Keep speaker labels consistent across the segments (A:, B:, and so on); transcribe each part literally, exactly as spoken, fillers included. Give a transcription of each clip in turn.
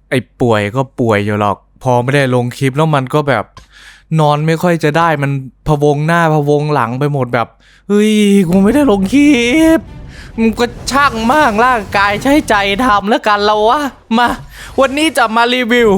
A: ไอ้ป่วยก็ป่วยอยู่หรอกพอไม่ได้ลงคลิปแล้วมันก็แบบนอนไม่ค่อยจะได้มันพะวงหน้าพะวงหลังไปหมดแบบเฮ้ยกูไม่ได้ลงคลิปมันก็ช่างมากร่างกายใช้ใจทำแล้วกันเราวะมาวันนี้จะมารีวิว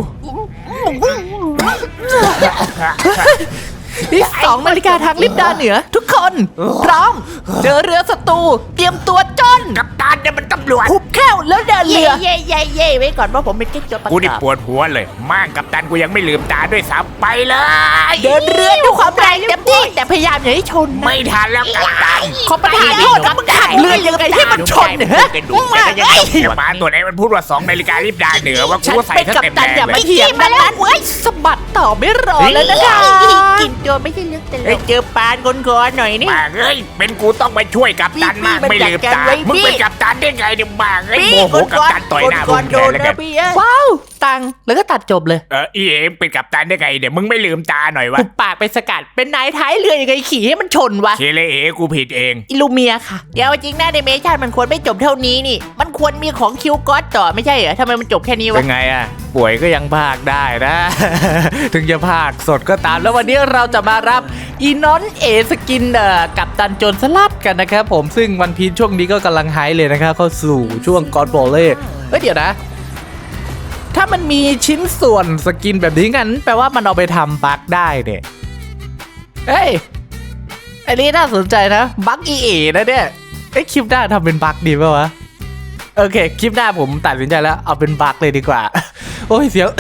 A: ที่สองนาฬิกาทางลิบดาเหนือทุกคนพร้อมเจอเรือศัตรูเตรียมตัวจน
B: กัปตันเนี่ยมันตำรวจ
A: หุบแค้วแล้วเดินเรือ
C: เย่เย่เย่ไว้ก่อนว่าผมเป็นกิ๊กตัวประกอบ
B: กูนี่ปวดหัวเลยม่างกัปตันกูยังไม่ลืมตาด้วยซ้ำไปเลย
C: เดินเรือด้วยความแรงเต็มที่แต่พยายามอย่าให้ชน
B: ไม่ทันแล้วกัปตัน
C: ขอประทานโทษกับขับเรือยังไงให้มันชนเนี่ยฮะ
B: กระดูกแต่ก็ยังจบเสียบ้านตัวไหนมันพูดว่าสองนาฬิการีบดาเหนือว่ากู
C: ฉัน
B: ใส่
C: เป็น
B: ถ้า
C: กัป
B: เต็ม
C: ตัน
B: แรง
C: อย่า
B: เล
C: ไม่
B: ย
C: เถียงมาแล้วเว้ยสะบัดต่อไม่รอแล้วนะคะกินตัวไม่ใช่เรื่องตลกเจอปานคนคอหน่อยนี่
B: บ้าเอ้ยเป็นกูต้องไปช่วยกัปตันมากไม่ลืมตามึงเป็นกัปตันได้ไงเนี่ยบ้าเอ้ยโมโหกัปตันต่อยหน้ามึงแทนแล้วกัน
C: ว้าวตังแล้วก็ตัดจบเลย
B: เอออีเอ็มเป็นกัปตันได้ไงเดี๋ยวมึงไม่ลืมตาหน่อยวะ
C: หุบปากไปสกัดเป็นนายท้ายเรือยังไงขี่ให้มันชนวะ
B: เคเลเอกูผิดเอง
C: อิลูเมียค่ะเดี๋ยวจริงหน้าในเมชั่นมันควรไม่จบเท่านี้นี่มันควรมีของคิวก๊อตต่อไม่ใช่เหรอทำไมมันจบแค่นี้วะ
A: เป็นไงอ่ะป่วยก็ยังพากได้นะ ถึงจะพากสดก็ตามแล้ววันนี้เราจะมารับอีนอนเอสกินเอ่อกับตันโจรสลัดกันนะครับผมซึ่งวันพีชช่วงนี้ก็กำลังไฮเลยนะครับเข้าสู่ช่วงกอดบอลเล่เฮ้ยเดี๋ยวนะถ้ามันมีชิ้นส่วนสกินแบบนี้งั้นแปลว่ามันเอาไปทำบั๊กได้เนี่ยเฮ้ยอันนี้น่าสนใจนะบั๊กอีเอนะเนี่ยไอ้ยคลิปหน้าทำเป็นบั๊กดีป่าววะโอเคคลิปหน้าผมตัดสินใจแล้วเอาเป็นบั๊กเลยดีกว่าโอ้ยเสียง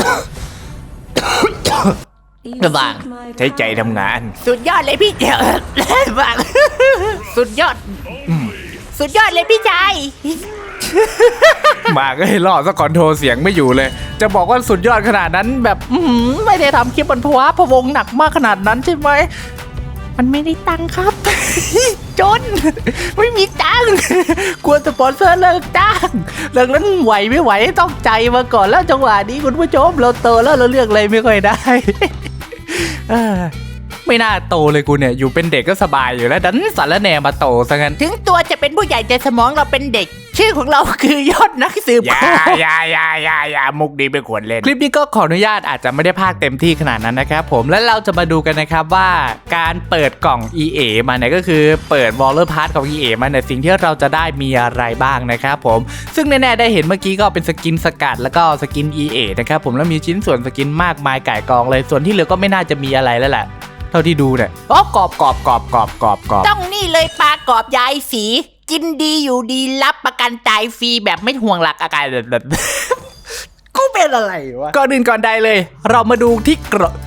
A: ระบาง
B: ใช้ใจทำงาน
C: สุดยอดเลยพี่เจ้าบางสุดยอดสุดยอดเลยพี่ชาย
A: มาก็ให้รอดซะก่อนโทรเสียงไม่อยู่เลย จะบอกว่าสุดยอดขนาดนั้นแบบอื้อหือไม่ได้ทำคลิปบนภาวะพะวงหนักมากขนาดนั้นใช่ไหมมันไม่ได้ตังค์ครับ จนไม่มีตังค์กลัวสปอนเซอร์เลิกจ้างดังนั้นไหวไม่ไหวต้องใจมาก่อนแล้วจังหวะนี้คุณผู้ชมเราโตแล้วเราเลือกอะไรไม่ค่อยได้ เออไม่น่าโตเลยกูเนี่ยอยู่เป็นเด็กก็สบายอยู่แล้วดันสารแหน่มาโตซะงั้น
C: ถึงตัวจะเป็นผู้ใหญ่แต่สมองเราเป็นเด็กชื่อของเราคือยอดนักสืบ
B: อย่าอย่าอย่าอย่าอย่ามุกดีไม่ควรเล่น
A: คลิปนี้ก็ขออนุญาตอาจจะไม่ได้พากเต็มที่ขนาดนั้นนะครับผมและเราจะมาดูกันนะครับว่าการเปิดกล่อง อี เอ มาเนี่ยก็คือเปิด Waller Pass ของ อี เอ มาเนี่ยสิ่งที่เราจะได้มีอะไรบ้างนะครับผมซึ่งแน่ๆได้เห็นเมื่อกี้ก็เป็นสกินสกัดแล้วก็สกิน อี เอ นะครับผมแล้วมีชิ้นส่วนสกินมากมายก่ายกองเลยส่วนที่เหลือก็ไม่น่าจะมีอะไรแล้วแหละเท่าที่ดูเนี่ยอ๋อกรอบกรอบกรอบกรอบกรอบกรอบ
C: ต้องนี่เลยปลากรอบยายสีกินดีอยู่ดีรับประกันตายฟรีแบบไม่ห่วงหลักอาการแบบ กูเป็นอะไรวะ
A: ก่อนอื่นก่อนใดเลย เรามาดูที่กรอบ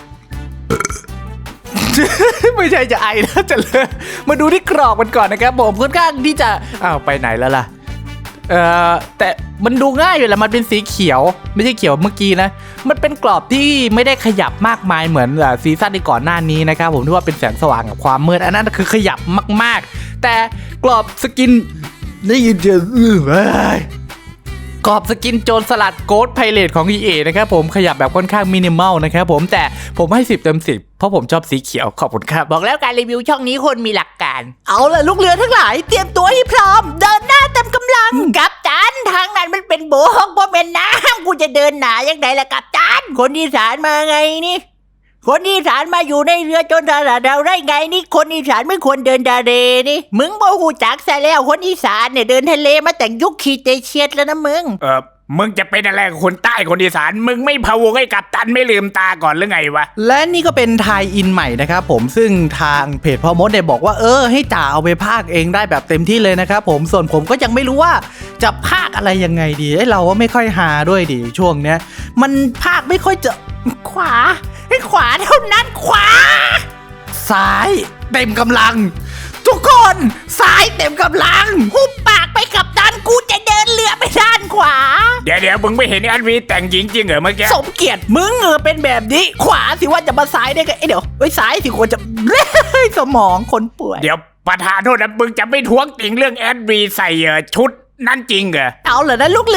A: ไม่ใช่จะไอนะจะเลยมาดูที่กรอบมันก่อนนะครับผมค่อนข้างที่จะอ้าวไปไหนแล้วล่ะเอ่อแต่มันดูง่ายอยู่แหละมันเป็นสีเขียวไม่ใช่เขียวเมื่อกี้นะมันเป็นกรอบที่ไม่ได้ขยับมากมายเหมือนซีซั่นที่ก่อนหน้านี้นะครับผมที่ว่าเป็นแสงสว่างกับความมืดอันนั้นคือขยับมากๆแต่กรอบสกินได้ยินเสียงอื้อเว้ยกรอบสกินโจรสลัดโกดไพเรตของ อี เอ นะครับผมขยับแบบค่อนข้างมินิมอลนะครับผมแต่ผมให้สิบเต็มสิบเพราะผมชอบสีเขียวขอบคุณครับ
C: บอกแล้วการรีวิวช่องนี้คนมีหลักการเอาล่ะลูกเรือทั้งหลายเตรียมตัวให้พร้อมเดินหน้าเต็มกำลังกัปตันทางนั้นมันเป็นโบกเพราะเป็นน้ำกูจะเดินหนาอย่างไรล่ะกัปตันคนอีสานมาไงนี่คนอีสานมาอยู่ในเรือจนสลัดเราได้ไงนี่คนอีสานไม่ควรเดินทะเลนี่มึงบ่หูจักซะแล้วคนอีสานเนี่ยเดินทะเลมาแต่งยุคคีเตเชียดแล้วนะมึง
B: เออมึงจะเป็นอะไรกับคนใต้คนอีสานมึงไม่พะวงให้กัปตันไม่ลืมตาก่อนหรือไงวะ
A: และนี่ก็เป็นไทยอินใหม่นะครับผมซึ่งทางเพจพ่อมดเนี่ยบอกว่าเออให้จ่าเอาไปพากเองได้แบบเต็มที่เลยนะครับผมส่วนผมก็ยังไม่รู้ว่าจะพากอะไรยังไงดีไอ้เราก็ไม่ค่อยหาด้วยดิช่วงเนี้ยมันพากไม่ค่อยจะ
C: ขวาให้ขวาเท่านั้นขวา
A: ซ้ายเต็มกำลัง ทุกคนซ้ายเต็มกำลัง
C: หุบปากไปกับตันกูจะเดินเรือไปด้านขวา
B: เดี๋ยวเดี๋ยวมึงไม่เห็นอันวีแต่งหญิงจริงเหรอเมื่อกี้
C: สมเกียรติมึงเออเป็นแบบนี้ ขวาสิว่าจะมาซ้ายได้ไงเอ้ยเดี๋ยวเอ้ยซ้ายสิควรจะ สมองคนป่วย
B: เดี๋ยวประธานโทษนะมึงจะไม่ท้วงติงเรื่องแอดวีใส่เอ่อชุดนั่นจริงเหรอ
C: เอาเหรอนะลูกเรือ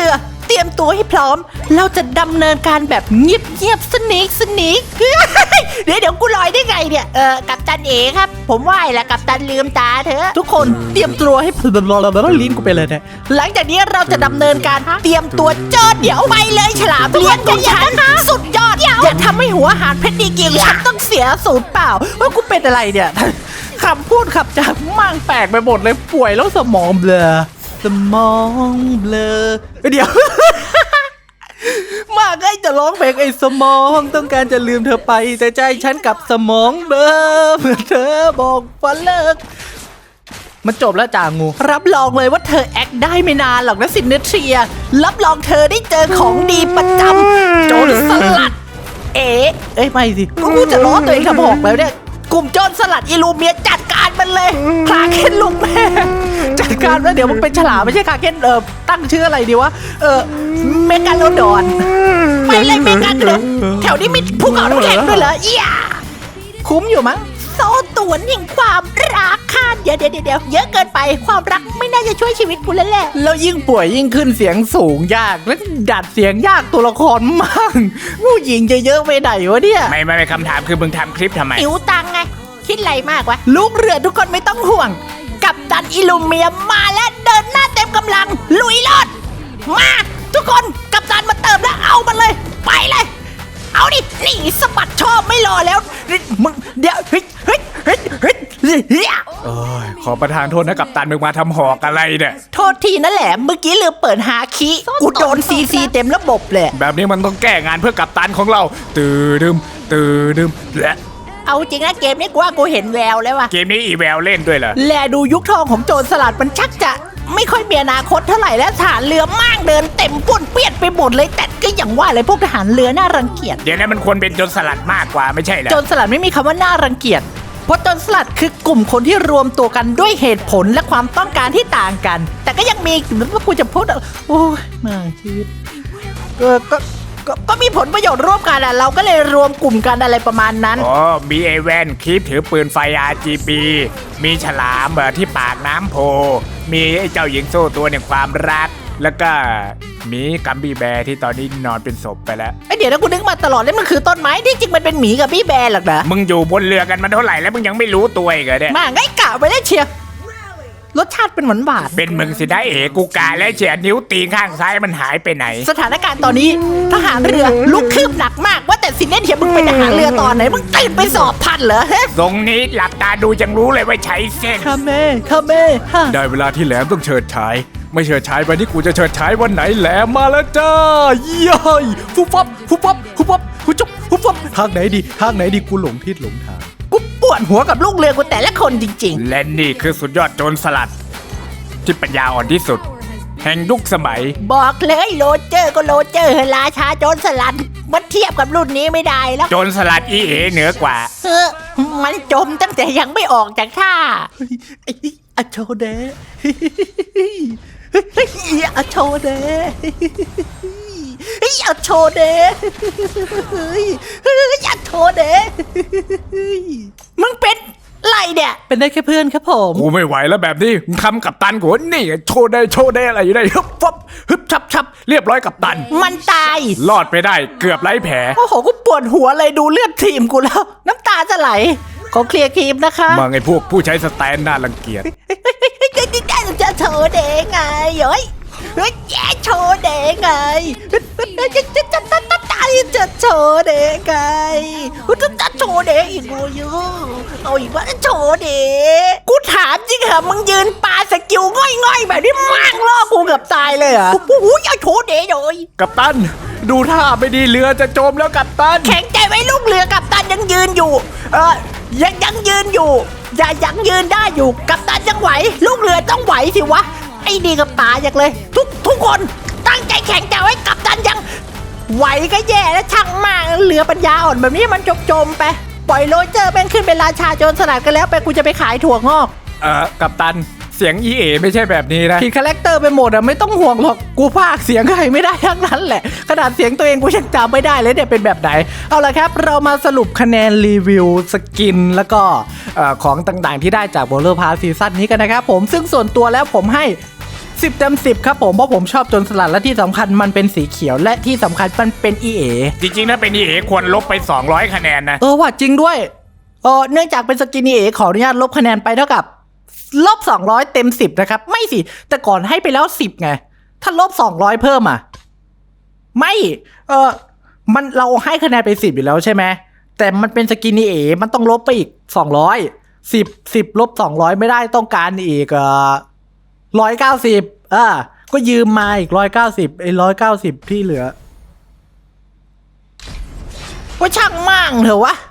C: เตรียมตัวให้พร้อมเราจะดำเนินการแบบเงียบเงียบสนิกสนิกเดี๋ยวเดี๋ยวกูลอยได้ไงเนี่ยเออกัปตันเอครับผมไหว้แหละกัปตันลืมตาเถอะทุกคนเตรียมตัวให้พร้อมลิ้นกูไปเลยเนี่ยหลังจากนี้เราจะดำเนินการเตรียมตัวเจอเดี๋ยวไปเลยฉลามเลี้ยงของฉันสุดยอดอย่าทำให้หัวอาหารเพชรดีเกียงฉันต้องเสียสูตรเปล่าว่ากูเป็นอะไรเนี่ยคำพูดขับจากมั่งแปลกไปหมดเลยป่วยแล้วสมองเบลอสมองเบลอเดี๋ยว มากไอ้จะร้องเพลงไอ้สมองต้องการจะลืมเธอไปแต่ใจฉันกับสมองเบลอเมื่อเธอบอกว่าเลิกมันจบแล้วจ่างูรับรองเลยว่าเธอแอคได้ไม่นานหรอกนะซินเนเทรียรับรองเธอได้เจอของดีประจำโจรสลัดเอ๋เอ้ยไม่สิก็กูจะล้อตัวเองทำบอกแล้วเนี่ยกลุ่มโจรสลัดอิลูเมียจัดการมันเลยคลาเคนลุงแม่จัดการแล้วเดี๋ยวมันเป็นฉลามไม่ใช่คลาเคนเออตั้งชื่ออะไรดีวะเออเมกาโลดอนไปเลยเมกาโลดอนแถวนี้มีภูเขาน้ำแข็งด้วยเหรอเอี้ยคุ้มอยู่มั้งโซ่ตวนแห่งความรักค่ะเดี๋ยวเดี๋ยวเดี๋ยวเยอะเกินไปความรักไม่น่าจะช่วยชีวิตกูแล้วแหละแล้วยิ่งป่วยยิ่งขึ้นเสียงสูงยากและดัดเสียงยากตัวละครมากผู้หญิงจะเยอะไปไหนวะเนี่ย
B: ไม่ไม่ไม่คำถามคือมึงทำคลิปทำไม
C: หิวตังไงคิดอะไรมากวะลูกเรือทุกคนไม่ต้องห่วงกัปตันอิลูเมียมาแล้วเดินหน้าเต็มกำลังลุยรอดมาทุกคนกัปตันมาเติมแล้วเอามันเลยไปเลยเอาดินี่สะบัดชอบไม่รอแล้วมึงเดี๋ยวเฮ้ยเฮ้ยเฮ้ยเฮ้ยเฮ้ย
B: เอ้ยขอประทานโทษนะกัปตันมึงมาทำหอกอะไรเนี่ย
C: โทษทีนั่นแหละเมื่อกี้ลืมเปิดหาคีย์กูโดนซีซีเต็มระบบเลย
B: แบบนี้มันต้องแก้งานเพื่อกัปตันของเราตื่นดึมตื่นดึมและ
C: เอาจริงนะเกมนี้กูว่ากูเห็นแววแล้วว่ะ
B: เกมนี้อีแววเล่นด้วยเหรอ
C: แลดูยุคทองของโจรสลัดมันชักจะไม่ค่อยมีอนาคตเท่าไหร่แล้วทหารเรือมากเดินเต็มป้วนเปี้ยนไปหมดเลยแต่ก็อย่างว่าเลยพวกทหารเรือน่ารังเกียจ
B: เดี๋ยวนั้นมันควรเป็นโจรสลัดมากกว่าไม่ใช่เหรอ
C: โจรสลัดไม่มีคำว่าน่ารังเกียจเพราะโจรสลัดคือกลุ่มคนที่รวมตัวกันด้วยเหตุผลและความต้องการที่ต่างกัน แต่ก็ยังมีว่ากูจะพูดโอ้ยมาชีวิตเออก็ก็ก็มีผลประโยชน์ร่วมกันอ่ะเราก็เลยรวมกลุ่มกันอะไรประมาณนั้น
B: อ๋อมีไอแวนคลิปถือปืนไฟ อาร์ จี บี มีฉลามเบอที่ปากน้ำโพมีไอ้เจ้าหญิงโซ่ตัวหนึ่งความรัก แล้วก็มีกัมบี้แบร์ที่ตอนนี้นอนเป็นศพไปแล้ว
C: ไอเดี๋ยวนะกูนึกมาตลอดเลยมันคือต้นไม้ที่จริงมันเป็นหมีกับพี่แบร์หรอกนะ
B: มึงอยู่บนเรือกันมาเท่าไหร่แล้วมึงยังไม่รู้ตัวอีกเหรอเนี่ย
C: มาไงกะไปได้เชียร์รสชาติเป็นหวานหวาน
B: เป็นมึงสิได้เอกูกาและเฉียดนิ้วตีนข้างซ้ายมันหายไปไหน
C: สถานการณ์ตอนนี้ทหารเรือลุกคืบหนักมากว่าแต่สินเนเทียมึงเป็นทหารเรือตอนไหนมึงตื่นไปสอบทันเหรอ
B: ตรงนี้หลับตาดูจังรู้เลยว่าใช้เส้น
C: ข้าแม่ข้าแม่ฮะ
A: ได้เวลาที่แหลมต้องเฉิดฉายไม่เฉิดฉายไปนี่กูจะเฉิดฉายวันไหนแหลมมาแล้วจ้าเย้ยฟุบฟับฟุบฟับฟุบฟับฟุบจุ๊บฟุบฟับทางไหนดีทางไหนดีกูหลงทิศหลงทาง
C: กูปวดหัวกับลูกเรือกูแต่ละคนจริง
B: และนี่คือสุดยอดโจรสลัด ที่ปัญญาอ่อนที่สุด แห่งยุคสมัย
C: ๆบอกเลยโรเจอร์ก็โรเจอร์ราชาโจรสลัดมันเทียบกับรุ่นนี้ไม่ได้แล้ว
B: โจรสลัดอีเอเหนือกว่า
C: เออมันจมตั้งแต่ยังไม่ออกจากท่าไอ้อะโชเดเฮ้ยอะโชเดเฮ้ยอะโชเดเฮ้ยอะโชเดมึงเป็นไรเนี่ยเป็นได้แค่เพื่อนครับผม
B: กูไม่ไหวแล้วแบบนี้มึงทำกับตันกูนี่ไงโชว์ได้โชว์ได้อะไรอยู่ได้ฮึบฟับฮึบชับชับเรียบร้อยกับตัน
C: มันตาย
B: รอดไปได้เกือบไร้แผล
C: โอ้โหกูปวดหัวเลยดูเลือดทีมกูแล้ว น้ำตาจะไหลขอเคลียร์ครีมนะคะ
B: มาไงพวกผู้ใช้สแตนน่ารังเกียจ
C: จะโชว์เด้งไงเฮ้ยเฮ้ยแย่โชว์เด้งไงจะจะจะจะจะจะจะโชว์เด้งไงจะจะโชว์เด้อีกกูยูเอาอีกว่าโชว์เด้กูถามจริงเหรอมึงยืนปาสกิลง่อยๆแบบนี้มั่งล่อกูเกือบตายเลยเหรอโอ้โหอย่าโชว์เด้เลย
B: กับตันดูท่าไม่ดีเรือจะจมแล้วกับตัน
C: แข็งใจไว้ลูกเรือกับตันยังยืนอยู่ เออยังยังยืนอยู่ อย่ายังยืนได้อยู่กับตันยังไหว ลูกเรือต้องไหวสิวะไอ้ดีกับป๋าอยากเลย ทุกทุกคนตั้งใจแข็งใจไว้กับตันยังไหวก็แย่แล้วช่างมากเรือปัญญาอ่อนแบบนี้มันจมจมๆไปปล่อยโรเจอร์แม่งขึ้นเป็นราชาโจรสลัดกันแล้วไปกูจะไปขายถั่วงอก
B: เออกับตันเสียงอีเอไม่ใช่แบบนี้นะ
A: ผิดคาแรคเตอร์ไปหมดอะไม่ต้องห่วงหรอกกูพากย์เสียงใครไม่ได้ทั้งนั้นแหละขนาดเสียงตัวเองกูยังจำไม่ได้เลยเนี่ยเป็นแบบไหนเอาละครับเรามาสรุปคะแนนรีวิวสกินแล้วก็เอ่อของต่างๆที่ได้จาก World of Pass ซีซั่นนี้กันนะครับผมซึ่งส่วนตัวแล้วผมให้สิบเต็มสิบครับผมเพราะผมชอบโจรสลัดและที่สำคัญมันเป็นสีเขียวและที่สำคัญมันเป็น อี เอ
B: จริงๆถ้าเป็น อี เอ ควรลบไปสองร้อยคะแนนนะ
A: เออว่าจริงด้วยเออเนื่องจากเป็นสกิน อี เอ ขออนุญาตลบคะแนนไปเท่ากับลบสองร้อยเต็มสิบนะครับไม่สิแต่ก่อนให้ไปแล้วสิบไงถ้าลบสองร้อยเพิ่มอ่ะไม่เออมันเราให้คะแนนไปสิบอยู่แล้วใช่ไหมแต่มันเป็นสกิน อี เอ มันต้องลบไปอีกสองร้อยสิบสิบลบสองร้อยไม่ได้ต้องการอีกเอ่อร้อยเก้าสิบอ่าก็ยืมมาอีกร้อยเก้าสิบไอ้ร้อยเก้าสิบที่เหลือว่าช่างมั่งเถอะวะ